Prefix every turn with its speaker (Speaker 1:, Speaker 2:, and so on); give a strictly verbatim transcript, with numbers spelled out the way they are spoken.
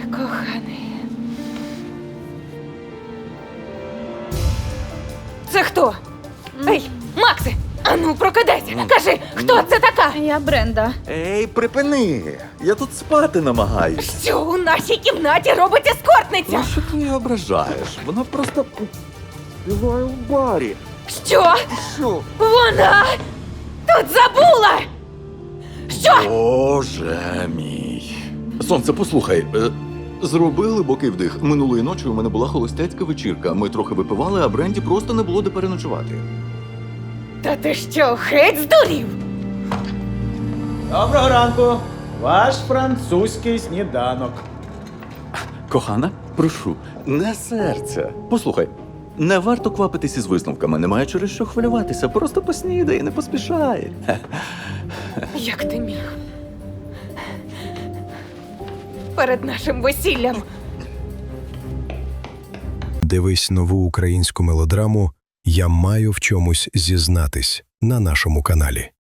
Speaker 1: Коханий. Це хто? Ей, Максе! Ану, прокидайся! Кажи, хто це така?
Speaker 2: Я Бренда.
Speaker 3: Ей, припини! Я тут спати намагаюсь.
Speaker 1: Що у нашій кімнаті робить ескортниця?
Speaker 3: Ну, що ти її ображаєш? Вона просто співає в барі.
Speaker 1: Що?
Speaker 3: Що?
Speaker 1: Вона тут забула! Що?
Speaker 3: Боже мій. Сонце, послухай. е, Зроби глибокий вдих. Минулої ночі у мене була холостяцька вечірка. Ми трохи випивали, а Бренді просто не було де переночувати.
Speaker 1: Та ти що, геть здурів?
Speaker 4: Доброго ранку! Ваш французький сніданок.
Speaker 3: Кохана, прошу, не серця. Послухай, не варто квапитись із висновками, немає через що хвилюватися. Просто поснідай, не поспішай.
Speaker 1: Як ти міг? Перед нашим весіллям.
Speaker 5: Дивись нову українську мелодраму «Я маю в чомусь зізнатись» на нашому каналі.